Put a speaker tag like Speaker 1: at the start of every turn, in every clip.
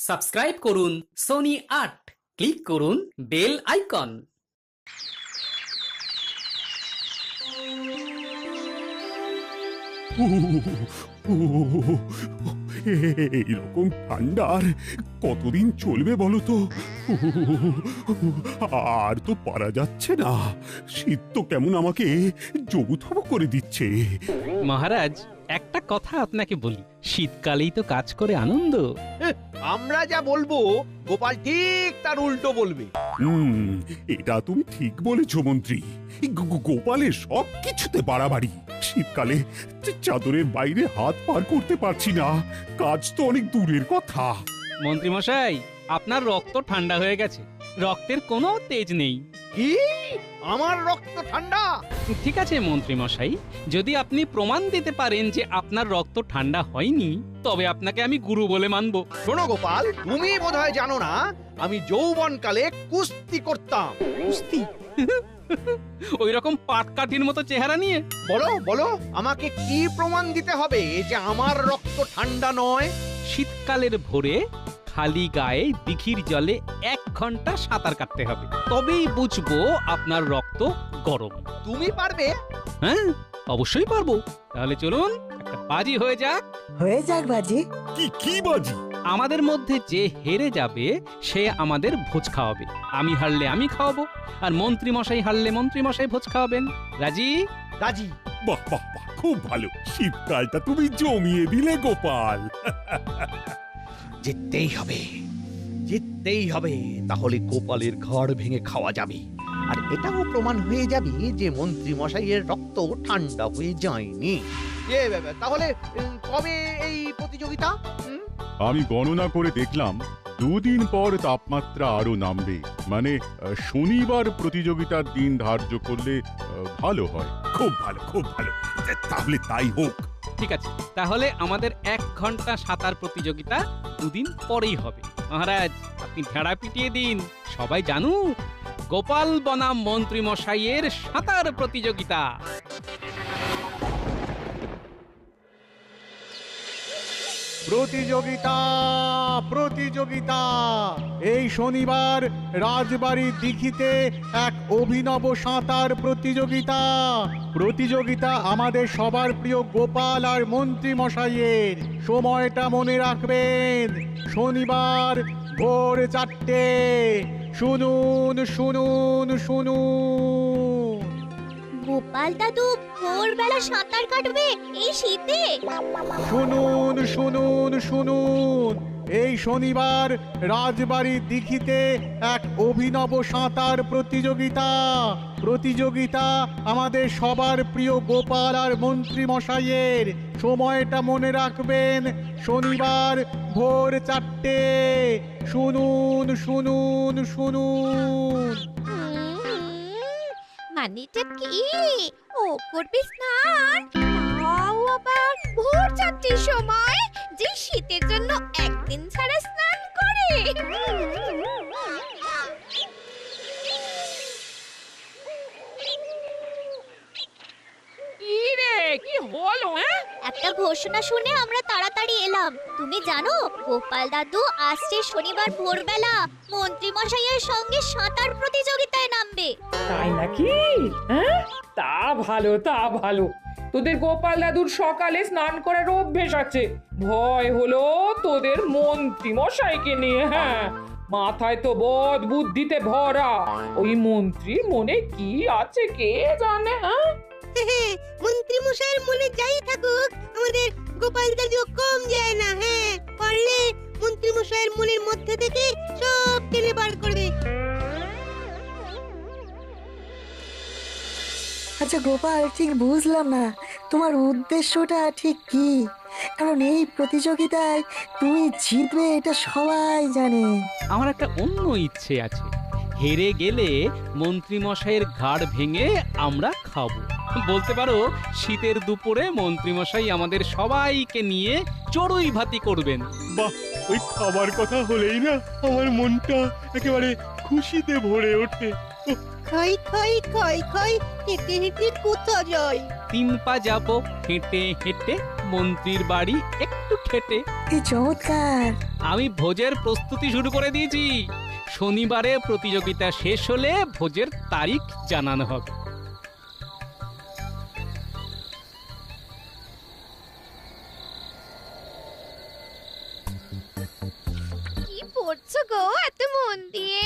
Speaker 1: Subscribe করুন Sony ৮, click করুন bell icon.
Speaker 2: এইরকম ঠান্ডার কতদিন চলবে বলো তো? আর তো পারা যাচ্ছে না। শীত তো কেমন আমাকে জবুথবু করে দিচ্ছে।
Speaker 3: মহারাজ, একটা কথা আপনাকে বলি, শীতকালেই তো কাজ করে আনন্দ।
Speaker 4: আমরা যা বলবো গোপাল ঠিক তার উল্টো বলবে।
Speaker 2: এটা তুমি ঠিক বলেছ মন্ত্রী। গোপালের সব কিছুতে বাড়াবাড়ি। শীতকালে চাদরের বাইরে হাত পার করতে পারছি না, কাজ তো অনেক দূরের কথা।
Speaker 3: মন্ত্রী মশাই, আপনার রক্ত ঠান্ডা হয়ে গেছে, রক্তের কোনো তেজ নেই।
Speaker 4: কি? আমার রক্ত ঠান্ডা?
Speaker 3: ঠিক আছে মন্ত্রী মশাই, যদি আপনি প্রমাণ দিতে পারেন যে আপনার রক্ত ঠান্ডা হয়নি, তবে আপনাকে আমি গুরু বলে মানব।
Speaker 4: শোনো গোপাল, তুমি বোধহয় জানো না আমি যৌবনকালে কুস্তি করতাম।
Speaker 3: কুস্তি? ওই রকম পাটকাঠির মতো চেহারা নিয়ে?
Speaker 4: বলো বলো, আমাকে কি প্রমাণ দিতে হবে যে আমার রক্ত ঠান্ডা নয়?
Speaker 3: শীতকালের ভোরে খালি গায়ে দিঘির জলে 1 ঘন্টা সাঁতার কাটতে হবে, তবেই বুঝবো আপনার রক্ত গরম।
Speaker 4: তুমি পারবে?
Speaker 3: হ্যাঁ, অবশ্যই পারবো। তাহলে চলুন একটা বাজি হয়ে যাক।
Speaker 5: হয়ে যাক বাজি।
Speaker 2: কি বাজি?
Speaker 3: আমাদের মধ্যে যে হেরে যাবে সে আমাদের ভোজ খাওয়াবে। আমি হারলে আমি খাওয়াবো, আর মন্ত্রী মশাই হারলে মন্ত্রী মশাই ভোজ খাওয়াবেন। রাজি?
Speaker 4: রাজি।
Speaker 2: বাহ বাহ বাহ, খুব ভালো। শীতকালটা তুমি জমিয়ে দিলে গোপাল।
Speaker 4: জিততেই হবে, জিততেই হবে, তাহলে গোপালের ঘর ভেঙে খাওয়া যাবে। আর এটাও প্রমাণ হয়ে যাবে যে মন্ত্রী মশাইয়ের রক্ত ঠান্ডা হয়ে যায়নি। তাহলে কবে এই প্রতিযোগিতা?
Speaker 6: আমি গণনা করে দেখলাম 2 দিন পর তাপমাত্রা আরো নামবে। মানে শনিবার প্রতিযোগিতার দিন ধার্য করলে ভালো হয়।
Speaker 2: খুব ভালো, খুব ভালো। তাহলে তাই হোক।
Speaker 3: ঠিক আছে, তাহলে আমাদের 1 ঘন্টা সাঁতার প্রতিযোগিতা 2 দিন পরেই হবে। মহারাজ, আপনি ভেড়া পিটিয়ে দিন, সবাই জানুক গোপাল বনাম মন্ত্রী মশাইয়ের সাঁতার প্রতিযোগিতা।
Speaker 7: প্রতিযোগিতা প্রতিযোগিতা এই শনিবার রাজবাড়ির দিঘিতে এক অভিনব সাঁতার প্রতিযোগিতা। প্রতিযোগিতা আমাদের সবার প্রিয় গোপাল আর মন্ত্রী মশাইয়ের। সময়টা মনে রাখবেন, শনিবার ভোর 4টে। শুনুন শুনুন শুনুন।
Speaker 8: গোপাল দাদু ভোরবেলা সাঁতার কাটবে এই শীতে?
Speaker 7: শুনুন শুনুন শুনুন, এই শনিবার রাজবাড়ির দিঘিতে এক অভিনব সাঁতার প্রতিযোগিতা। প্রতিযোগিতা আমাদের সবার প্রিয় গোপাল আর মন্ত্রী মশাইয়ের। সময়টা মনে রাখবেন, শনিবার ভোর 4টে। শুনুন শুনুন শুনুন।
Speaker 8: মানেটা কি? ও করবে স্নান, তাও আবার ভোর 4টের সময়, যে শীতের জন্য একদিন ছাড়া স্নান করে।
Speaker 9: কি রে, কি হলো?
Speaker 8: একটা ঘোষণা শুনে আমরা তাড়াতাড়ি এলাম। তুমি জানো গোপাল দাদু আসছে শনিবার ভোরবেলা মন্ত্রী মশাইয়ের সঙ্গে সাঁতার প্রতিযোগিতায় নামবে।
Speaker 9: তাই নাকি? হ্যাঁ, তা ভালো, তা ভালো। তোদের গোপাল দাদুর সকালে স্নান করার অভ্যেস আছে, ভয় হলো তোদের মন্ত্রী মশাইকে নিয়ে। হ্যাঁ, মাথায় তো বদ বুদ্ধিতে ভরা। ওই মন্ত্রীর মনে কি আছে কে জানে? হ্যাঁ,
Speaker 10: মন্ত্রী মশাইয়ের মনে যাই থাকুক, আমাদের গোপাল দাদু কম যায় না। হ্যাঁ, পারলে মন্ত্রী মশাইয়ের মনের মধ্যে থেকে সব টেনে বার করবে।
Speaker 5: আচ্ছা গোপাল, ঠিক বুঝলাম না তোমার উদ্দেশ্যটা ঠিক কি। কারণ এই প্রতিযোগিতায় তুমি জিতবে এটা সবাই জানে।
Speaker 3: আমার একটা অন্য ইচ্ছে আছে, হেরে গেলে মন্ত্রী মশাইয়ের ঘাড় ভেঙে আমরা খাবো। বলতে পারো শীতের দুপুরে মন্ত্রী মশাই আমাদের সবাইকে নিয়ে চড়ুই ভাতি করবেন।
Speaker 2: বাহ, ওই খাবার কথা হলেই না আমার মনটা একেবারে খুশিতে ভরে ওঠে।
Speaker 10: খাই খাই খাই খাই, হেঁটে হেঁটে কোথা যাই?
Speaker 3: 3 পা যাবো হেঁটে হেঁটে, মন্ত্রীর বাড়ি একটু খেটে।
Speaker 5: কি চমৎকার!
Speaker 3: আমি ভোজের প্রস্তুতি শুরু করে দিয়েছি। শনিবারে প্রতিযোগিতা শেষ হলে ভোজের তারিখ জানানো হবে।
Speaker 8: কি পড়ছো গো এত মন দিয়ে?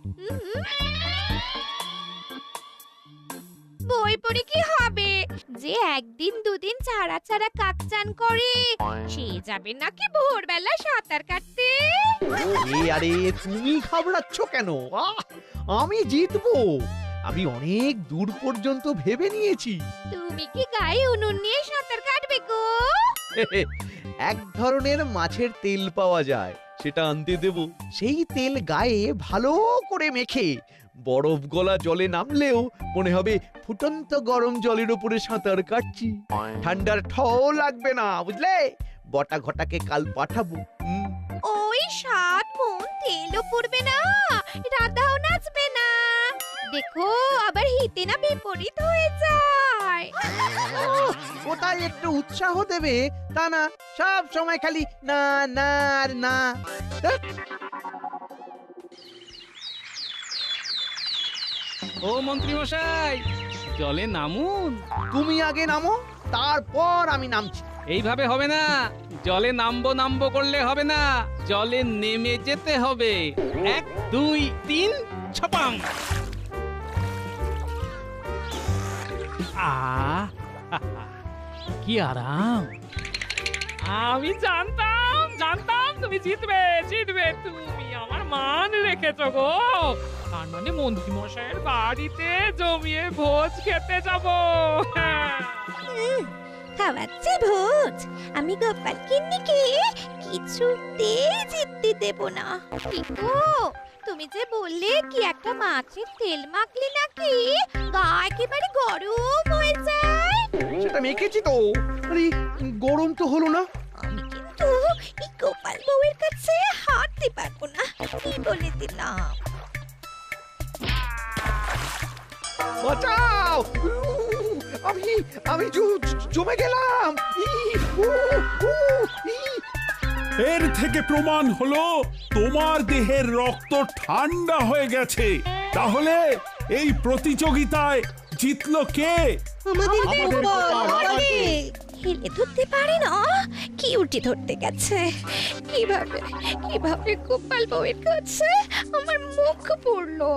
Speaker 8: বই পড়ে কি হবে? যে একদিন দুদিন ছাড়া ছাড়া কাক চান করে সে যাবে নাকি ভোরবেলা সাঁতার কাটতে?
Speaker 4: আরে তুমি ঘাবড়াচ্ছ কেন? আমি জিতবো। আমি অনেক দূর পর্যন্ত ভেবে নিয়েছি।
Speaker 8: তুমি কি গায়ে উনুন নিয়ে সাঁতার কাটবে গো?
Speaker 4: এক ধরনের মাছের তেল পাওয়া যায়, সেটা আনতে দেব। সেই তেল গায়ে ভালো করে মেখে বরফ গলা জলে নামলেও মনে হবে ফুটন্ত গরম জলের উপরে সাঁতার কাটছি। ঠান্ডার ঠও লাগবে না, বুঝলে? বটা ঘটাকে কাল পাঠাবো।
Speaker 8: ওই 7 মণ তেলও পড়বে না, রাধাও নাচবে না। দেখো আবার হিতে না বিপরীত হয়ে যায়।
Speaker 4: কোথায় একটু উৎসাহ দেবে তা না, সব সময় খালি না না আর না।
Speaker 3: ও মন্ত্রী মশাই, জলে নামুন।
Speaker 4: তুমি আগে নামো, তারপর আমি নামছি।
Speaker 3: এইভাবে হবে না। জলে নামবো নামবো করলে হবে না, জলে নেমে যেতে হবে। 1 2 3 ছপাং। কি আরাম!
Speaker 9: আমি জানতাম তুমি জিতবে। তুমি আমার মান রেখেছো গো। তার মানে মন্ত্রী মশাইয়ের বাড়িতে জমিয়ে ভোজ খেতে যাবো।
Speaker 8: খাওয়াচ্ছে ভোজ। আমি গোপাল কিন্নিকে কিছুতেই জিততে দেব না। গো তুমি যে বললে কি একটা মাছের তেল মাখলে নাকি গা একেবারে গরম হয়ে যায়।
Speaker 4: সেটা মেখেছি তো, আরে গরম তো হলো না।
Speaker 8: আমি কিন্তু এই গোপাল বউয়ের কাছে হারতে পারবো না, কি বলে দিলাম।
Speaker 4: বাঁচাও! আমি জমে গেলাম।
Speaker 2: এর থেকে প্রমাণ হলো তোমার দেহের রক্ত ঠান্ডা হয়ে গেছে। তাহলে এই প্রতিযোগিতায় জিতলো কে?
Speaker 10: আমাদের গোপাল,
Speaker 8: হেলে ধরতে পারে না, কি উল্টে ধরতে গেছে। কিভাবে গোপাল বউয়ের কাছে আমার মুখ পড়লো।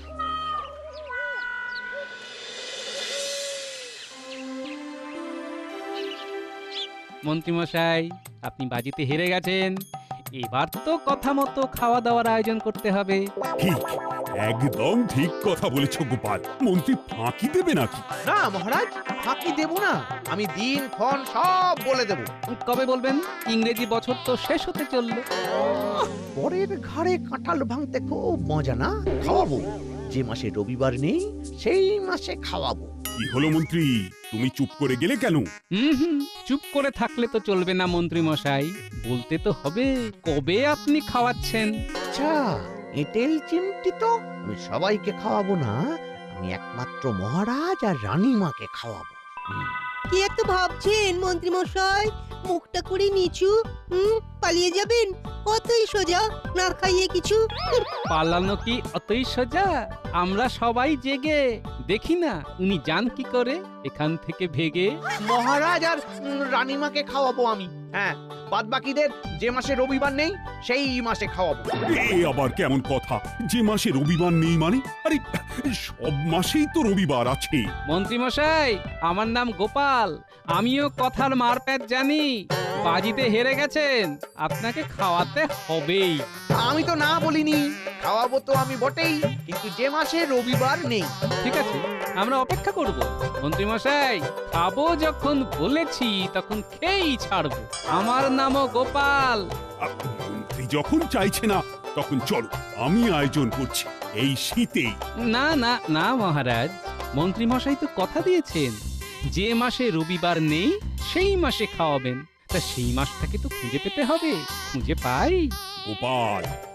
Speaker 3: মন্ত্রী মশাই, আপনি বাজিতে হেরে গেছেন। এবার তো কথা মতো খাওয়া দাওয়ার আয়োজন করতে হবে।
Speaker 2: ঠিক, একদম ঠিক কথা বলেছ গোপাল। মন্ত্রী ফাঁকি দেবে নাকি?
Speaker 4: না মহারাজ, ফাঁকি দেব না। আমি দিন ক্ষণ সব বলে দেব।
Speaker 3: কবে বলবেন? ইংরেজি বছর তো শেষ হতে চললো।
Speaker 4: পরের ঘাড়ে কাঁঠাল ভাঙতে খুব মজা না? খাওয়াবো। যে মাসে রবিবার নেই সেই মাসে খাওয়াবো।
Speaker 2: কি হলো মন্ত্রী, তুমি চুপ করে গেলে কেন?
Speaker 3: চুপ করে থাকলে তো চলবে না মন্ত্রী মশাই, বলতে তো হবে কবে আপনি খাওয়াচ্ছেন।
Speaker 4: আচ্ছা, এঁটেল চিমটি তো আমি সবাইকে খাওয়াবো না, আমি একমাত্র মহারাজ আর রানীমাকে খাওয়াবো।
Speaker 10: কি এত ভাবছেন মন্ত্রী মশাই? মুখটা করে নিচু। পালিয়ে যাবেন? অতই সোজা, না খাইয়ে কিছু।
Speaker 3: পালানো কি অতই সোজা? আমরা সবাই জেগে দেখি না উনি যান কি করে এখান থেকে ভেগে।
Speaker 4: মহারাজ আর রানীমাকে খাওয়াবো আমি। হ্যাঁ, বাদ বাকিদের যে মাসে রবিবার নেই সেই মাসে খাওয়াবো।
Speaker 2: এ আবার কেমন কথা? যে মাসে রবিবার নেই মানে? আরে সব মাসেই তো রবিবার আছে।
Speaker 3: মন্ত্রী মশাই, আমার নাম গোপাল, আমিও কথার মারপ্যাচ জানি। বাজিতে হেরে গেছেন, আপনাকে খাওয়াতে হবেই।
Speaker 4: আমি তো না বলিনি, খাওয়াবো তো আমি বটেই, কিন্তু যে মাসে রবিবার নেই।
Speaker 3: ঠিক আছে, আমরা অপেক্ষা করব। মন্ত্রী মশাই, খাবো যখন বলেছি তখন খেয়েই ছাড়বো। আমার নামও গোপাল।
Speaker 2: মন্ত্রী যখন চাইছে না তখন চলো, আমি আয়োজন করছি এই শীতেই।
Speaker 3: না না না মহারাজ, মন্ত্রী মশাই তো কথা দিয়েছেন যে মাসে রবিবার নেই সেই মাসে খাওয়াবেন। তা সেই মাসটাকে তো খুঁজে পেতে হবে, খুঁজে পাই।
Speaker 2: গোপাল,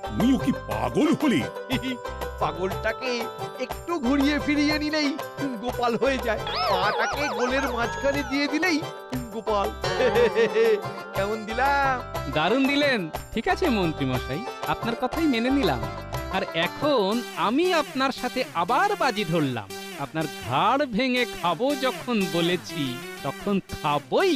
Speaker 2: তুমিও কি পাগল হলে?
Speaker 4: পাগলটাকে একটু ঘুরিয়ে ফিরিয়ে নিলেই গোপাল হয়ে যায়, পাটাকে গোলের মাঝখানে দিয়ে দিলেই গোপাল। কেমন দিলাম?
Speaker 3: দারুণ দিলেন। ঠিক আছে মন্ত্রী মশাই, আপনার কথাই মেনে নিলাম। আর এখন আমি আপনার সাথে আবার বাজি ধরলাম। আপনার ঘাড় ভেঙে খাবো যখন বলেছি, তখন খাবই।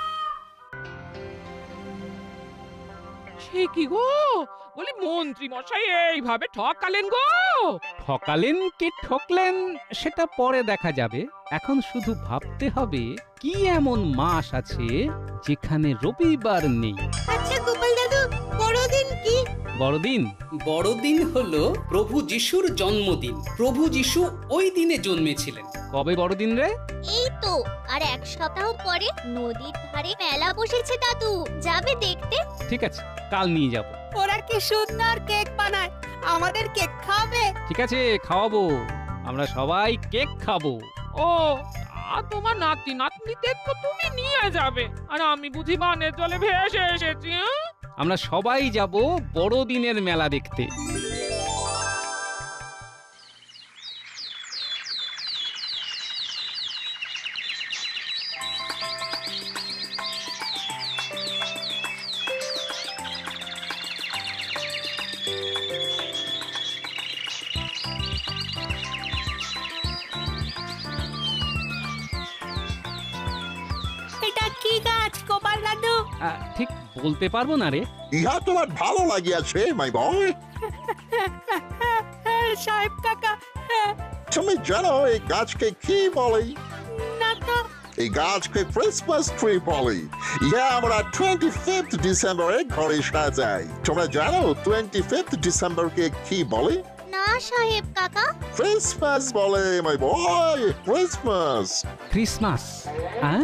Speaker 9: সে কি গো, বলি মন্ত্রী মশাই এইভাবে ঠকালেন গো?
Speaker 3: ঠকালেন কি ঠকলেন সেটা পরে দেখা যাবে। এখন শুধু ভাবতে হবে কি এমন মাস আছে যেখানে রবিবার নেই।
Speaker 10: আচ্ছা গোপাল দাদু, বড়দিন কি?
Speaker 3: বড়দিন?
Speaker 1: বড়দিন হলো প্রভু যিশুর জন্মদিন। প্রভু যিশু ওই দিনে জন্মেছিলেন।
Speaker 3: কবে বড়দিন রে?
Speaker 8: এই তো আর এক সপ্তাহ পরে নদীর ধারে মেলা বসেছে দাদু, যাবে দেখতে?
Speaker 3: ঠিক আছে, কাল নিয়ে যাব।
Speaker 10: ওরা কি সুন্দর কেক বানায়, আমাদের কেক খাবে?
Speaker 3: ঠিক আছে, খাওয়াবো। আমরা সবাই কেক খাবো।
Speaker 9: ও তোমার নাতি নাতনিদের তো তুমি নিয়ে যাবে, আর আমি বুঝি বানের জলে ভেসে এসেছি।
Speaker 3: আমরা সবাই যাব বড়দিনের মেলা দেখতে।
Speaker 10: এটা কি গাছ গোপাল দাদু?
Speaker 3: ঠিক বলতে পারবো না রে।
Speaker 11: ইহা তোমার ভালো লাগিয়াছে মাই বয়?
Speaker 10: সাহেব কাকা,
Speaker 11: তুমি জানো এই গাছকে কি বলে?
Speaker 10: না তো।
Speaker 11: এই গাছকে ক্রিসমাস ট্রি বলে। ইহা আমরা 25th ডিসেম্বরে ঘরে সাজাই। তোমরা জানো 25th ডিসেম্বরকে কি বলে?
Speaker 8: না সাহেব কাকা।
Speaker 11: ক্রিসমাস বলে মাই বয়, ক্রিসমাস।
Speaker 3: ক্রিসমাস? হ্যাঁ,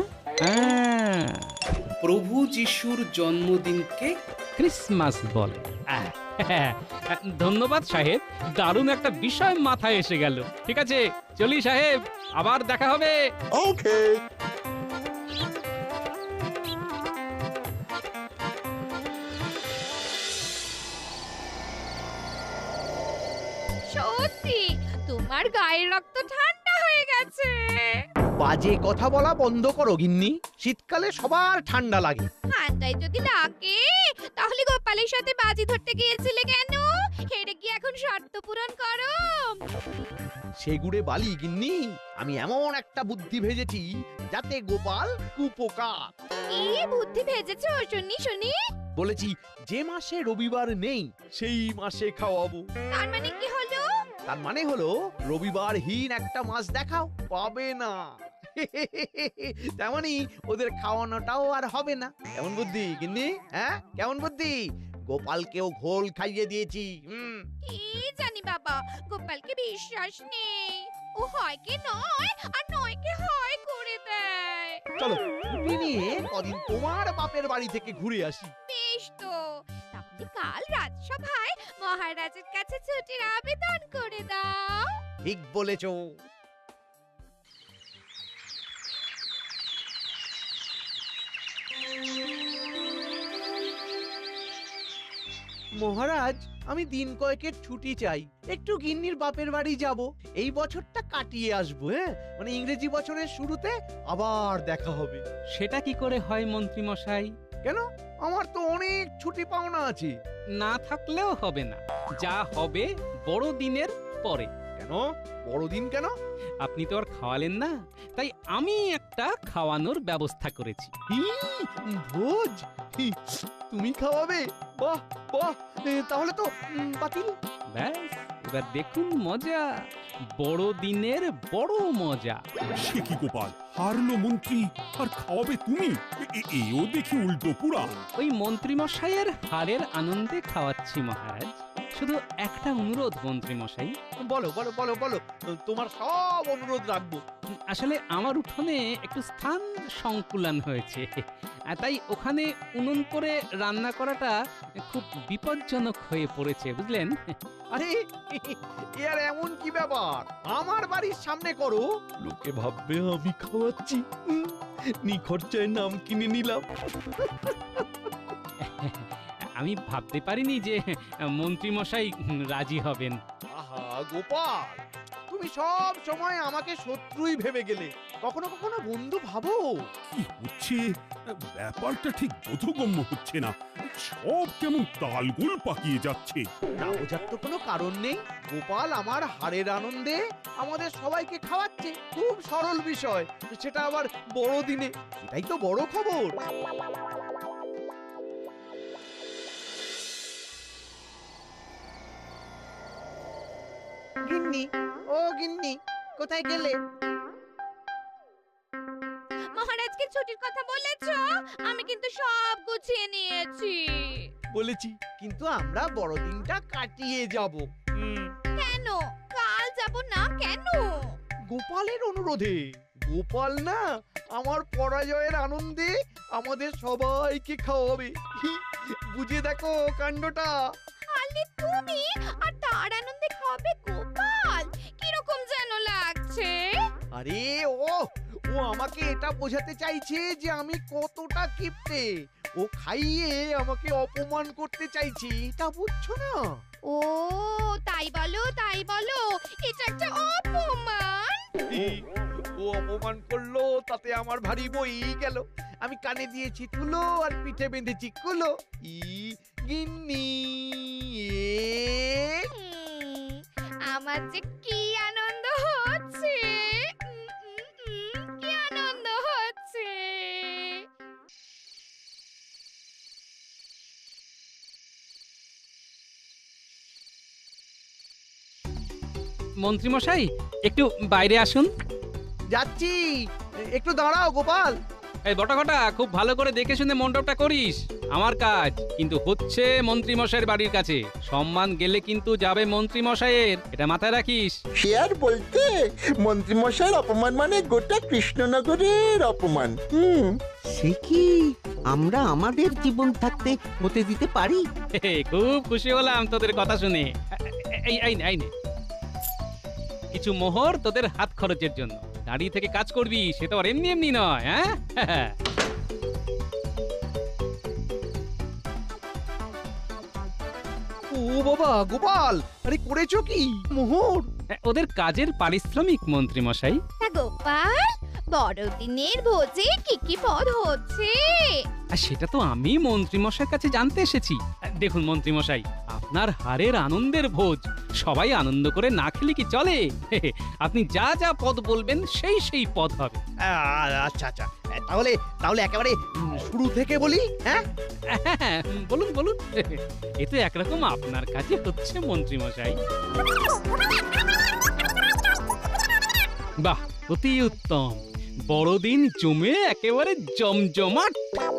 Speaker 1: প্রভু যিশুর জন্মদিনকে
Speaker 3: ক্রিসমাস বলে। ধন্যবাদ সাহেব, দারুণ একটা বিষয় মাথায় এসে গেল। ঠিক আছে, চলি সাহেব, আবার দেখা হবে।
Speaker 11: ওকে।
Speaker 8: সত্যি তোমার গায়ের রক্ত ঠান্ডা হয়ে গেছে।
Speaker 4: বাজে কথা বলা বন্ধ করো গিন্নি, শীতকালে সবার ঠান্ডা লাগে।
Speaker 8: ঠান্ডায় যদি লাগে তাহলে গোপালের সাথে বাজি ধরতে গিয়েছিলে কেন? হেরে গিয়ে এখন শর্ত পূরণ করো।
Speaker 4: সেগুড়ে বালি গিন্নি, আমি এমন একটা বুদ্ধি ভেজেছি যাতে গোপাল কুপোকাত।
Speaker 8: কি বুদ্ধি ভেজেছো শুনি শুনি?
Speaker 4: বলেছি যে মাসে রবিবার নেই সেই মাসে খাওয়াবো।
Speaker 8: তার মানে কি হলো?
Speaker 4: তার মানে হলো রবিবারহীন একটা মাস দেখাও, পাবে না। তেমনি ওদের খাওয়ানোটাও আর হবে না। কেমন বুদ্ধি গিন্নি? হ্যাঁ, কেমন বুদ্ধি? গোপালকেও ঘোল খাইয়ে দিয়েছি।
Speaker 8: কি জানি বাবা, গোপালকে বিশ্বাস নেই। ও হয় কি নয়, আর নয় কি হয় করে দেয়।
Speaker 4: চলো ছুটি নিয়ে কদিন তোমার বাপের বাড়ি থেকে ঘুরে আসি।
Speaker 8: বেশ তো, তাহলে কাল রাজসভায় মহারাজের কাছে ছুটির আবেদন করে দাও।
Speaker 4: ঠিক বলেছো। মহারাজ, আমি দিন কয়েকের ছুটি চাই, একটু গিন্নির বাপের বাড়ি যাব। এই বছরটা কাটিয়ে আসবো। হ্যাঁ, মানে ইংরেজি বছরের শুরুতে আবার দেখা হবে।
Speaker 3: সেটা কি করে হয় মন্ত্রী মশাই?
Speaker 4: কেন? আমার তো অনেক ছুটি পাওনা আছে।
Speaker 3: না থাকলেও হবে না, যা হবে বড়দিনের পরে।
Speaker 4: কেন বড়দিন কেন?
Speaker 3: আপনি তো আর খাওয়ালেন না, তাই আমি একটা খাওয়ানোর ব্যবস্থা করেছি।
Speaker 4: ভোজ? তুমি খাওয়াবে? বাহ বাহ, তাহলে তো বাতিল।
Speaker 3: ব্যাস, এবার দেখুন মজা, বড়দিনের বড় মজা।
Speaker 2: সে কি গোপাল, হারলো মন্ত্রী আর খাওয়াবে তুমি? এও দেখি উল্টো পুরা।
Speaker 3: ওই মন্ত্রী মশাইয়ের হারের আনন্দে খাওয়াচ্ছি মহারাজ। শুধু একটা অনুরোধ মন্ত্রী মশাই।
Speaker 4: বলো বলো বলো বলো, তোমার সব অনুরোধ রাখবো।
Speaker 3: আসলে আমার উঠোনে একটু স্থান সংকুলান হয়েছে, তাই ওখানে উনুন করে রান্না করাটা খুব বিপজ্জনক হয়ে পড়েছে, বুঝলেন?
Speaker 4: আরে এ আর এমন কি ব্যাপার? আমার বাড়ির সামনে করো, লোকে ভাববে আমি খাওয়াচ্ছি। নিখরচায় নাম কিনে নিলাম।
Speaker 3: আমি ভাবতে পারিনি যে মন্ত্রী মশাই রাজি হবেন।
Speaker 4: আহা গোপাল, তুমি সব সময় আমাকে শত্রুই ভেবে গেলে, কখনো কখনো বন্ধু ভাবো।
Speaker 2: কি হচ্ছে ব্যাপারটা ঠিক বোধগম্য হচ্ছে না, সব কেমন তালগোল পাকিয়ে যাচ্ছে।
Speaker 4: না বোঝার তো কোনো কারণ নেই। গোপাল আমার হারের আনন্দে আমাদের সবাইকে খাওয়াচ্ছে, খুব সরল বিষয়, সেটা আবার বড়দিনে, এটাই তো বড় খবর। গিন্নি, ও গিন্নি, কোথায় গেলে?
Speaker 8: মহারাজকে ছুটির কথা বলেছো? আমি কিন্তু সব গুছিয়ে নিয়েছি।
Speaker 4: বলেছি, কিন্তু আমরা বড়দিনটা কাটিয়ে যাব।
Speaker 8: কেন কাল যাব না কেন?
Speaker 4: গোপালের অনুরোধে। গোপাল না আমার পরাজয়ের আনন্দে আমাদের সবাইকে খাওয়াবে। বুঝে দেখো কাণ্ডটা।
Speaker 8: আলে তুমি আর তার আনন্দে খাবে গোপাল, কিরকম যেন লাগছে।
Speaker 4: আরে ও ও আমাকে এটা বোঝাতে চাইছে যে আমি কতটা কিপ্টে। ও খাইয়ে আমাকে অপমান করতে চাইছে, এটা বুঝছো না?
Speaker 8: ও তাই বলো তাই বলো, এটা একটা অপমান।
Speaker 4: ও অপমান করলো, তাতে আমার ভারী বই গেল। আমি কানে দিয়েছি তুলো আর পিঠে বেঁধেছি কুলো। গিন্নি,
Speaker 8: আমার যে কি আনন্দ হচ্ছে, কি আনন্দ হচ্ছে।
Speaker 3: মন্ত্রী মশাই একটু বাইরে আসুন।
Speaker 4: যাচ্ছি, একটু দাঁড়াও গোপাল।
Speaker 3: এই বটাঘটা খুব ভালো করে দেখে শুনে মণ্ডপটা করিস। আমার কাজ কিন্তু হচ্ছে মন্ত্রী মশাইয়ের বাড়ির কাছে, সম্মান গেলে কিন্তু যাবে মন্ত্রী মশাইয়ের, এটা মাথায় রাখিস।
Speaker 11: সে আর বলতে, মন্ত্রীমশাইয়ের অপমান মানে গোটা কৃষ্ণনগরের অপমান।
Speaker 12: সে কি আমরা আমাদের জীবন থাকতে হতে দিতে পারি?
Speaker 3: খুব খুশি হলাম তোদের কথা শুনে। এই নে কিছু মোহর তোদের হাত খরচের জন্য। দাঁড়িয়ে থেকে কাজ করবি, সে তো আর এমনি এমনি নয়। হ্যাঁ
Speaker 4: ও বাবা গোপাল, আরে করেছো কি মোহর?
Speaker 3: ওদের কাজের পারিশ্রমিক মন্ত্রী মশাই।
Speaker 8: গোপাল, বড়দিনের ভোজে কি কি পদ হচ্ছে?
Speaker 3: আর সেটা তো আমি মন্ত্রী মশাইয়ের কাছে জানতে এসেছি। দেখুন মন্ত্রী মশাই, আপনার হারের আনন্দের ভোজ, সবাই আনন্দ করে না খেলে কি চলে? আপনি যা যা পদ বলবেন সেই সেই পদ হবে।
Speaker 4: আচ্ছা আচ্ছা, তাহলে তাহলে একেবারে শুরু থেকে বলি। হ্যাঁ
Speaker 3: বলুন বলুন, এ তো একরকম আপনার কাছে হচ্ছে মন্ত্রী মশাই। বাহ, অতি উত্তম। বড়দিন জমে একেবারে জমজমাট।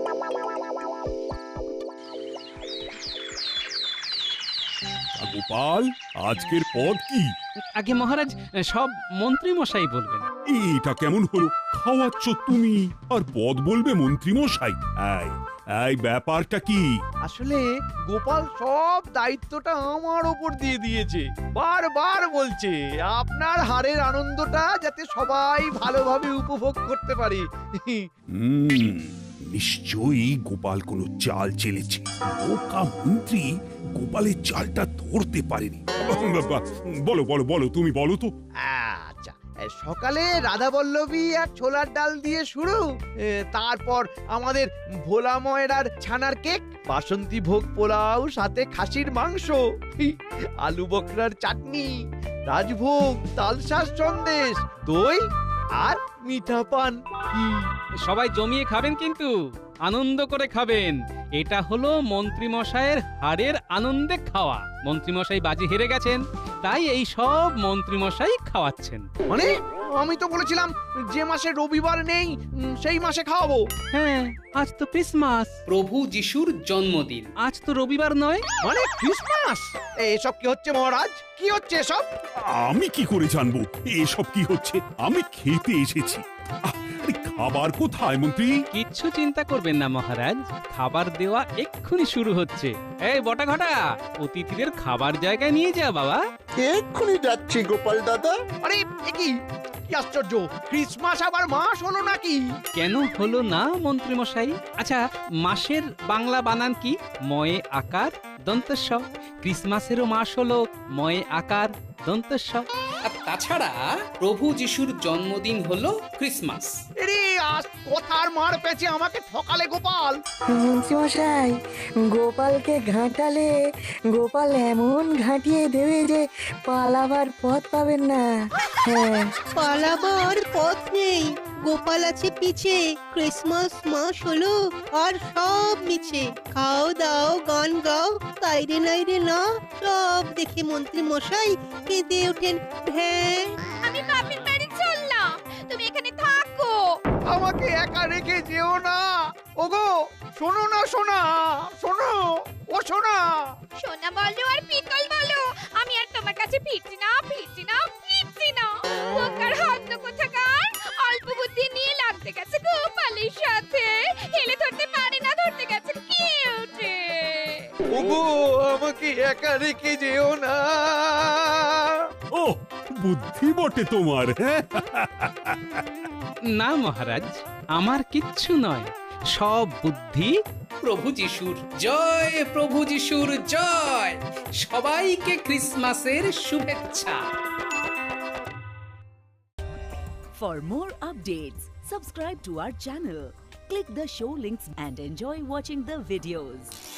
Speaker 2: গোপাল, আজকের পদ কি?
Speaker 3: আগে মহারাজ সব মন্ত্রী মশাই বলবেন।
Speaker 2: এটা কেমন হলো? খাওয়াচ্ছ তুমি আর পদ বলবে মন্ত্রী মশাই? এই ব্যাপারটা কি?
Speaker 4: আসলে গোপাল সব দায়িত্বটা আমার ওপর দিয়ে দিয়েছে। বারবার বলছে আপনার হারের আনন্দটা যাতে সবাই ভালোভাবে উপভোগ করতে পারে।
Speaker 2: নিশ্চয়ই গোপাল কোনো চাল চেলেছে। বোকা মন্ত্রী গোপালের চালটা ধরতে পারেনি। বলো বলো বলো, তুমি বলো তো।
Speaker 4: আচ্ছা, সকালে রাধা বল্লভী আর ছোলার ডাল দিয়ে শুরু, তারপর আমাদের ভোলা ময়রার ছানার কেক, বাসন্তী ভোগ পোলাও সাথে খাসির মাংস, আলু বকরার চাটনি, রাজভোগ, তালশাঁস সন্দেশ, দই আর মিঠা পান।
Speaker 3: সবাই জমিয়ে খাবেন কিন্তু আনন্দ করে খাবেন। এটা হলো মন্ত্রী মশাইয়ের হারের আনন্দে খাওয়া। মন্ত্রী মশাই বাজি হেরে গেছেন, তাই এই সব মন্ত্রী মশাই খাওয়াচ্ছেন।
Speaker 4: মানে আমি তো বলেছিলাম যে মাসে রবিবার নেই সেই মাসে খাওয়াবো।
Speaker 3: হ্যাঁ, আজ তো ক্রিসমাস,
Speaker 1: প্রভু যিশুর জন্মদিন।
Speaker 3: আজ তো রবিবার নয়।
Speaker 4: মানে ক্রিসমাস? এসব কি হচ্ছে মহারাজ? কি হচ্ছে এসব?
Speaker 2: আমি কি করে জানবো এসব কি হচ্ছে? আমি খেতে এসেছি। আরে খাবার কোথায় মন্ত্রী?
Speaker 3: কিচ্ছু চিন্তা করবেন না মহারাজ, খাবার দেওয়া এক্ষুনি শুরু হচ্ছে। এই বটা ঘটা, অতিথিদের খাবার জায়গায় নিয়ে যা বাবা।
Speaker 11: এক্ষুনি যাচ্ছি গোপাল দাদা।
Speaker 4: আরে এ কি আশ্চর্য, ক্রিসমাস আবার মাস হলো নাকি?
Speaker 3: কেন হলো না মন্ত্রী মশাই? আচ্ছা, মাসের বাংলা বানান কি? ময়ে আকার দন্তস্ব। ক্রিসমাসেরও মাস হলো ময়ে আকার দন্তস্ব।
Speaker 1: আর তাছাড়া প্রভু যিশুর জন্মদিন হলো ক্রিসমাস।
Speaker 4: আরে আজ কথার মার পেছে আমাকে ঠকালে গোপাল।
Speaker 5: মন্ত্রীমশাই, গোপালকে ঘাঁটালে গোপাল এমন ঘাঁটিয়ে দেবে যে পালাবার পথ পাবেন না। হ্যাঁ,
Speaker 10: পালাবার পথ নেই, গোপাল আছে পিছে। ক্রিসমাস মাস হলো আর সব মিছে। খাও দাও গান গাও, তাইরে নাইরে না, সব দেখে মন্ত্রী মশাই কেঁদে ওঠেন ভ্যাঁ।
Speaker 8: আমি বাপের বাড়ি চললাম, তুমি এখানে থাকো।
Speaker 4: আমাকে একা রেখে যেও না। ওগো শোনো না, শোনা শোনো, ও শোনা।
Speaker 8: সোনা বলো আর পিতল বলো, আমি আর তোমার কাছে ফিরছি না, ফিরছি না, ফিরছি না। বোকার হাত কোথাকার, অল্প বুদ্ধি নিয়ে লাগতে গেছে গোপালের সাথে। হেলে ধরতে পারে না, ধরতে গেছে কিউটে।
Speaker 4: ওগো আমাকে একা রেখে যেও না।
Speaker 2: ও বুদ্ধি বটে তোমার। হ্যাঁ,
Speaker 3: না মহারাজ, আমার কিচ্ছু নয়, সব বুদ্ধি
Speaker 1: প্রভু যিশুর। জয় প্রভু যিশুর জয়। সবাইকে ক্রিসমাসের শুভেচ্ছা।
Speaker 13: For more updates, subscribe to our channel, click the show links and enjoy watching the videos.